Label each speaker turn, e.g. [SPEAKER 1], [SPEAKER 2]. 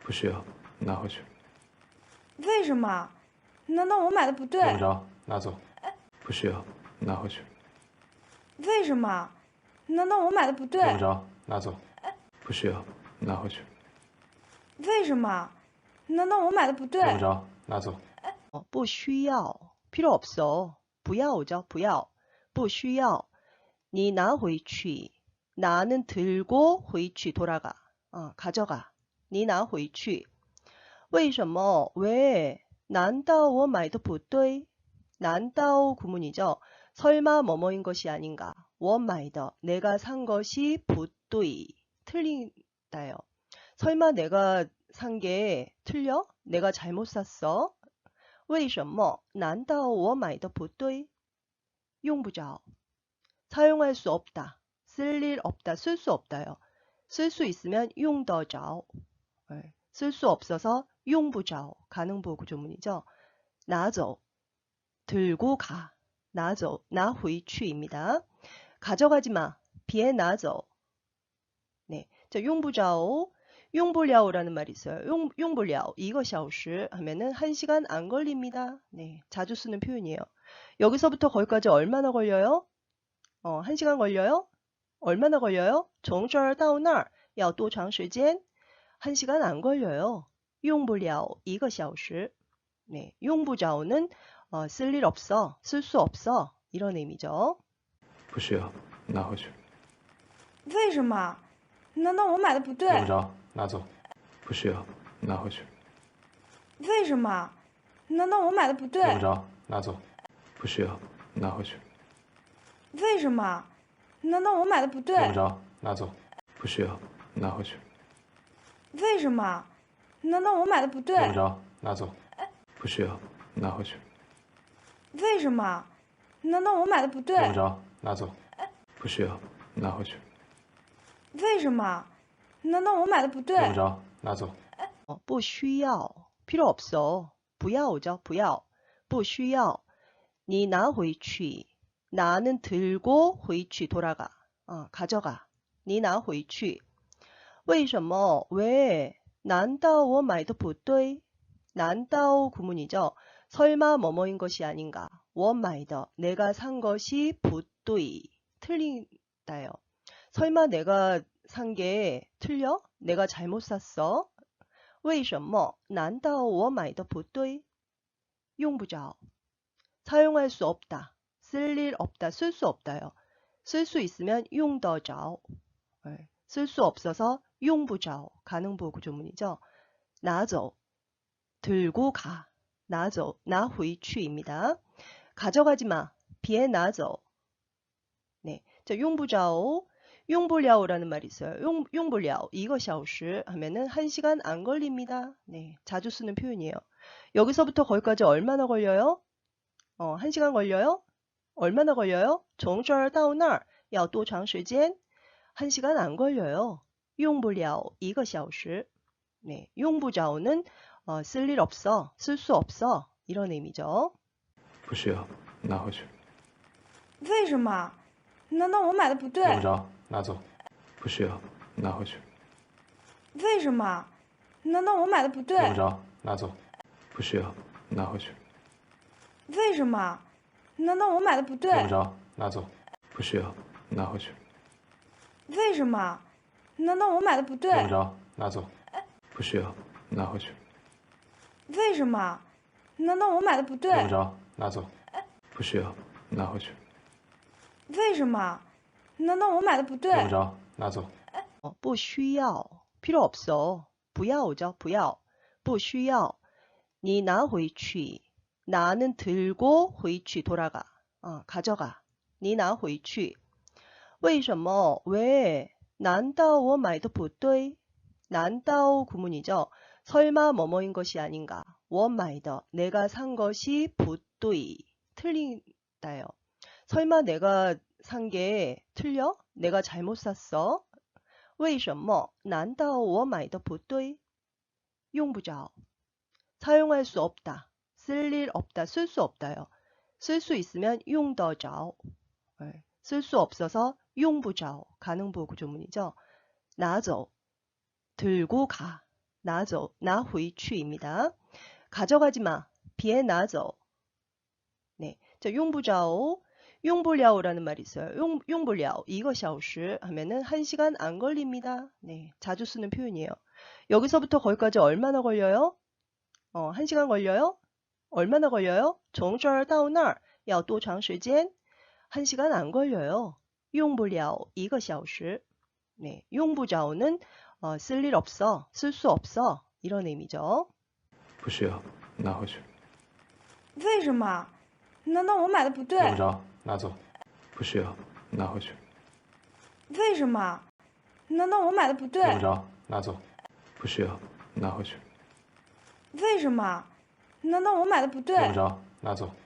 [SPEAKER 1] 不需要，拿回去。
[SPEAKER 2] 为什么？难道我买的不对？
[SPEAKER 1] 用不着，拿走。不需要，拿回去。
[SPEAKER 2] 为什么？难道我买的不对？
[SPEAKER 1] 用不着，拿走。不需要，拿回去。
[SPEAKER 2] 为什么？难道我买的不对？
[SPEAKER 1] 用不着，拿走。
[SPEAKER 3] 不需要, 필요 없어. 不要오죠, 不要. 不需要. 你拿回去. 나는 들고 回去 돌아가. 가져가. 你拿回去. 为什么? 왜? 난다 我买的不对. 난다 구문이죠. 설마 뭐뭐인 것이 아닌가. 我买的 내가 산 것이 不对. 틀린다요. 설마 내가 산 게 틀려? 내가 잘못 샀어? 为什么? 난다 我买的不对? 用不着. 사용할 수 없다. 쓸 일 없다. 쓸 수 없다요. 쓸 수 있으면 用得着. 쓸 수 없어서 用不着. 가능보 구조문이죠. 拿走. 들고 가. 拿走. 拿回去입니다. 가져가지 마. 비에 拿走. 네. 자, 用不着. 用不了라는 말이 있어요. 用不了 이거 小时 하면은 1시간 안 걸립니다. 네, 자주 쓰는 표현이에요. 여기서부터 거기까지 얼마나 걸려요? 1시간 걸려요? 얼마나 걸려요? 从这儿到那儿要多长时间? 1시간 안 걸려요. 用不了 1小时. 네, 用不着는 쓸 일 없어, 쓸 수 없어 이런 의미죠.
[SPEAKER 1] 不需要，拿回去。
[SPEAKER 2] 为什么？难道我买的不对？
[SPEAKER 1] 用不着，拿走。不需要，拿回去。
[SPEAKER 2] 为什么？难道我买的不对？
[SPEAKER 1] 用不着，拿走。不需要，拿回去。
[SPEAKER 2] 为什么？难道我买的不对？
[SPEAKER 1] 用不着，拿走。不需要，拿回去。
[SPEAKER 2] 为什么？难道我买的不对？
[SPEAKER 1] 用不着，拿走。不需要，拿回去。
[SPEAKER 2] 为什么？难道我买的不对？
[SPEAKER 1] 用不着，拿走。不需要，拿回去。
[SPEAKER 2] 为什么？难道我买的不对？
[SPEAKER 1] 用不着，拿走。
[SPEAKER 3] 不需要 필요 없어. 不要오죠, 不要. 不需要. 你拿回去. 나는 들고 回去 돌아가. 가져가. 你拿回去. 为什么? 왜? 난다 我买的不对. 난다 구문이죠. 설마 뭐뭐인 것이 아닌가. 我买的 내가 산 것이 不对. 틀린다요. 설마 내가 산 게 틀려? 내가 잘못 샀어? 为什么? 난다 我买的不对. 用不着. 사용할 수 없다. 쓸 일 없다. 쓸 수 없다요. 쓸 수 있으면 用得着. 쓸 수 없어서 用不着. 가능보 구조문이죠. 拿走. 들고 가. 拿走. 拿回去입니다. 가져가지 마. 비에 拿走. 네. 자, 用不着. 用不了라는 말이 있어요. 用不了 이거 小时 하면은 1시간 안 걸립니다. 네, 자주 쓰는 표현이에요. 여기서부터 거기까지 얼마나 걸려요? 1시간 걸려요? 얼마나 걸려요? 从这儿到那儿要多长时间? 1시간 안 걸려요. 用不了 1小时. 네, 用不着는 쓸 일 없어, 쓸 수 없어 이런 의미죠.
[SPEAKER 1] 不需要，拿回去。
[SPEAKER 2] 为什么？难道我买的不对？
[SPEAKER 1] 用不着，拿走。不需要，拿回去。
[SPEAKER 2] 为什么？难道我买的不对？
[SPEAKER 1] 用不着，拿走。不需要，拿回去。
[SPEAKER 2] 为什么？难道我买的不对？
[SPEAKER 1] 用不着，拿走。不需要，拿回去。
[SPEAKER 2] 为什么？难道我买的不对？
[SPEAKER 1] 用不着，拿走。不需要，拿回去。
[SPEAKER 2] 为什么？难道我买的不对？
[SPEAKER 1] 用不着，拿走。不需要，拿回去。
[SPEAKER 2] 为什么？难道我买的不对？
[SPEAKER 1] 用不着，拿走。
[SPEAKER 3] 不需要 필요 없어. 不要오죠, 不要. 不需要. 你拿回去. 나는 들고 回去 돌아가. 가져가. 你拿回去. 为什么? 왜? 난다 我买的不对. 난다 구문이죠. 설마 뭐뭐인 것이 아닌가. 我买的 내가 산 것이 不对. 틀린다요. 설마 내가 산 게 틀려? 내가 잘못 샀어? 为什么? 난다 我买的不对. 用不着. 사용할 수 없다. 쓸 일 없다. 쓸 수 없다요. 쓸 수 있으면 用得着. 쓸 수 없어서 用不着. 가능보 구조문이죠. 拿走. 들고 가. 拿走拿回去입니다. 가져가지 마. 别拿走. 네. 자, 用不着 용불랴오라는 말이 있어요. 용불랴오 이거 샤오시 하면은 1시간 안 걸립니다. 네, 자주 쓰는 표현이에요. 여기서부터 거기까지 얼마나 걸려요? 1시간 걸려요? 얼마나 걸려요? 从这儿到那儿要多长时间? 1시간 안 걸려요. 용불랴오 이거 샤오시. 네, 용부자오는 쓸 일 없어, 쓸 수 없어 이런 의미죠.
[SPEAKER 1] 不需要，拿回去。
[SPEAKER 2] 为什么？难道我买的不对？
[SPEAKER 1] 用不着，拿走。不需要，拿回去。
[SPEAKER 2] 为什么？难道我买的不对？
[SPEAKER 1] 用不着，拿走。不需要，拿回去。
[SPEAKER 2] 为什么？难道我买的不对？
[SPEAKER 1] 用不着，拿走。